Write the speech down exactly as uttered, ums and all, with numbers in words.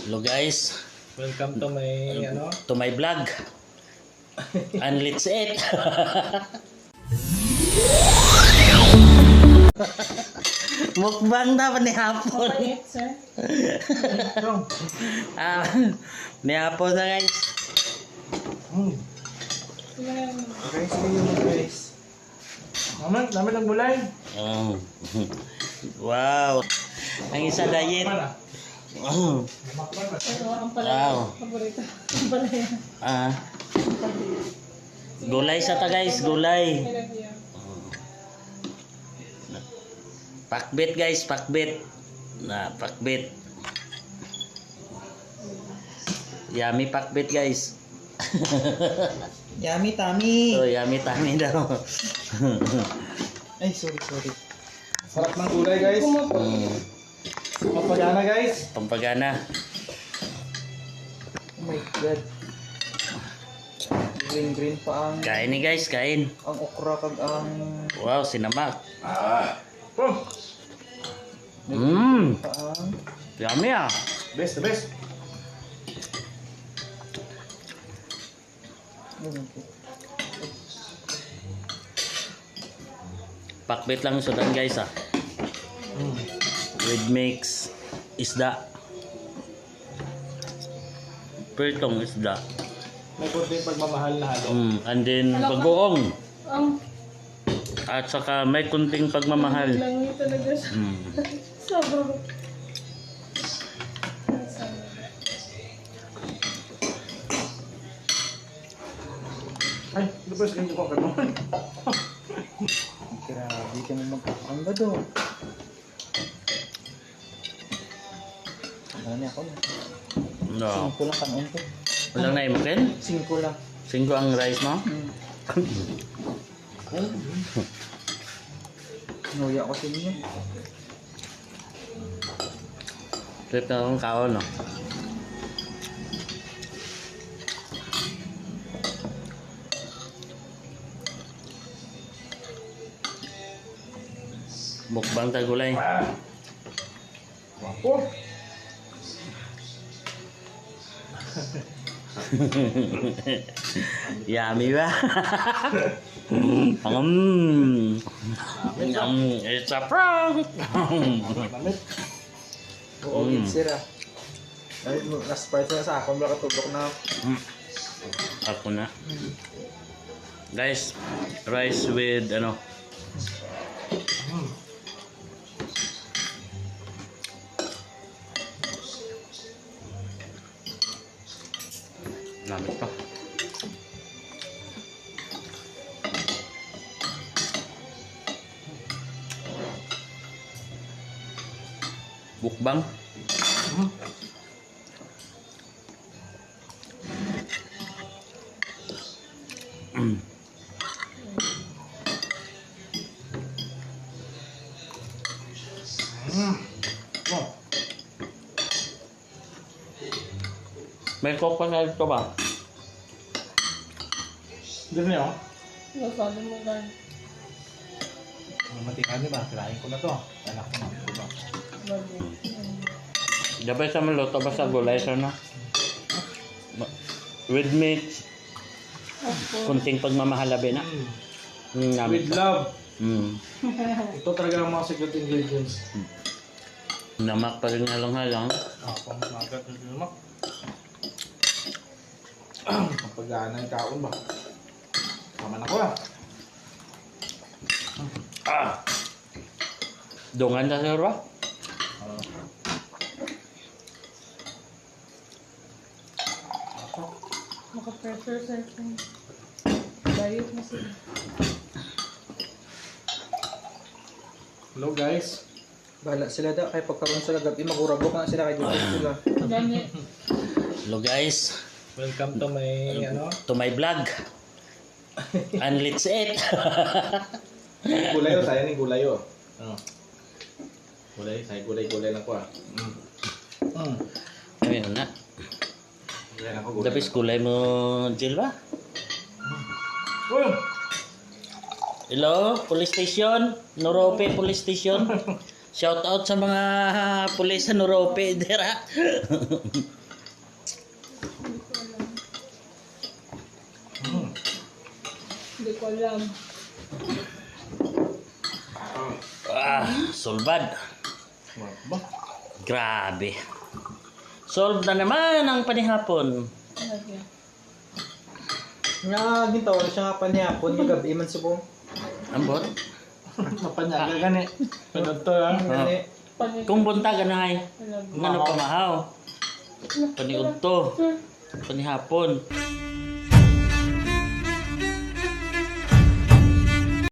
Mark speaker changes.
Speaker 1: Hello guys,
Speaker 2: Welcome to my ano?
Speaker 1: to my vlog. And let's eat. Mukbang dapat ni hapon.
Speaker 3: Pait, sir.
Speaker 1: Ah, ni hapon na guys.
Speaker 2: Hmm.
Speaker 3: Ayan.
Speaker 2: Okay, sige yung guys. Naman, naman ang gulay.
Speaker 1: Oh. Wow. Ang isa diet. Oh.
Speaker 3: Pero ang pala
Speaker 1: Wow.
Speaker 3: paborito. Ang pala yan.
Speaker 1: Ah. Gulay sa ta guys, gulay.
Speaker 3: I love you.
Speaker 1: Pakbit guys, pakbit. Na, pakbit. Yummy pakbit guys.
Speaker 2: Yummy, tummy.
Speaker 1: Oh, yummy tummy daw.
Speaker 2: Ay, sorry, sorry. Sarap ng gulay, guys.
Speaker 1: Mm,
Speaker 2: Papagana, guys.
Speaker 1: pampagana.
Speaker 2: Oh my God. Green, green pa ang,
Speaker 1: Kain ni guys, kain.
Speaker 2: ang okra kag ang...
Speaker 1: Wow, sinamak.
Speaker 2: Ah! Oh!
Speaker 1: Mmm,
Speaker 2: Pa ang...
Speaker 1: yummy ah.
Speaker 2: Best, the best.
Speaker 1: Pakbit lang sudan guys ah.
Speaker 2: Mm.
Speaker 1: With mix isda. Pertong isda.
Speaker 2: May kunting pagmamahal na halo.
Speaker 1: Mm, and then bagoong.
Speaker 3: Ang
Speaker 1: At saka may kunting pagmamahal.
Speaker 3: langi talaga siya.
Speaker 1: Mm.
Speaker 3: Sobrang.
Speaker 2: Ay, the best ganyan ko ka naman. Grabe ka naman magkakangga doon. Ano niya ako na?
Speaker 1: No.
Speaker 2: Singko lang kanon ko.
Speaker 1: Walang naimakin?
Speaker 2: Singko lang.
Speaker 1: Singko ang rice mo?
Speaker 2: Hmm. Nuya ko sa inyo.
Speaker 1: Trip na akong kaon no. Mukbang tagulay.
Speaker 2: Wapo.
Speaker 1: Yummy ba? um, um, it's a prank.
Speaker 2: Lamit. Oo,
Speaker 1: Mm.
Speaker 2: sira. Ay, na-surprise na sa akin. Baka tubok na.
Speaker 1: Ako na. Guys, rice with ano? Lamit pa. Bukbang. Mm.
Speaker 2: Mm. Oh.
Speaker 1: May coke pa sa ito ba?
Speaker 2: Dito niyo.
Speaker 3: Masabi mo ba?
Speaker 2: Matikan niyo ba? Kirain ko na to. Anak ko na. Diba?
Speaker 3: Love you.
Speaker 1: Dapat sa maluto ba sa gulay sa na? Ma- With mix,
Speaker 3: Opo.
Speaker 1: kunting pagmamahalabi na. Mm, lamit
Speaker 2: With
Speaker 1: pa.
Speaker 2: love.
Speaker 1: Mm.
Speaker 2: Ito talaga ang mga secret ingredients.
Speaker 1: Namak pa rin halang-halang.
Speaker 2: Ah, pamagat na sinumak. Ang pag-aanay kaon ba? Tama na ko ah.
Speaker 1: Ah! Dungan na sir ba?
Speaker 2: Ah.
Speaker 3: Maka-pressure sa akin. Diet na sila.
Speaker 2: Hello guys. Bahala sila da. Kaya pagkaroon sila gabi, magurabok na sila kay dito sila.
Speaker 3: Ganyan.
Speaker 1: Hello guys,
Speaker 2: Welcome to my ano?
Speaker 1: to my vlog. And let's eat.
Speaker 2: Gulay o, sayang yung gulay o. Ano? Gulay, sayang gulay-gulay lang ko ah. Mm. Mm.
Speaker 1: Ayun na.
Speaker 2: Gulay lang ko, gulay.
Speaker 1: Tapos kulay mo, Jill ba?
Speaker 2: Uy!
Speaker 1: Hello, police station, Norope police station. Shout out sa mga pulis sa Norope, dira.
Speaker 3: Hindi ko alam.
Speaker 2: Mm.
Speaker 3: Hindi ko alam.
Speaker 1: Ah, sulbad.
Speaker 2: Ba?
Speaker 1: Grabe. Solve na naman ang panihapon.
Speaker 3: Lagyan.
Speaker 4: Nga, ginto, siya nga panihapon, magabi man subong.
Speaker 1: Ambot.
Speaker 2: Mapanyaga gani. Panod to ha.
Speaker 4: Gani,
Speaker 3: Panig.
Speaker 1: Kung bunta ganahay,
Speaker 3: Lagyan.
Speaker 1: ngano pamahaw. Paniudto. Panihapon.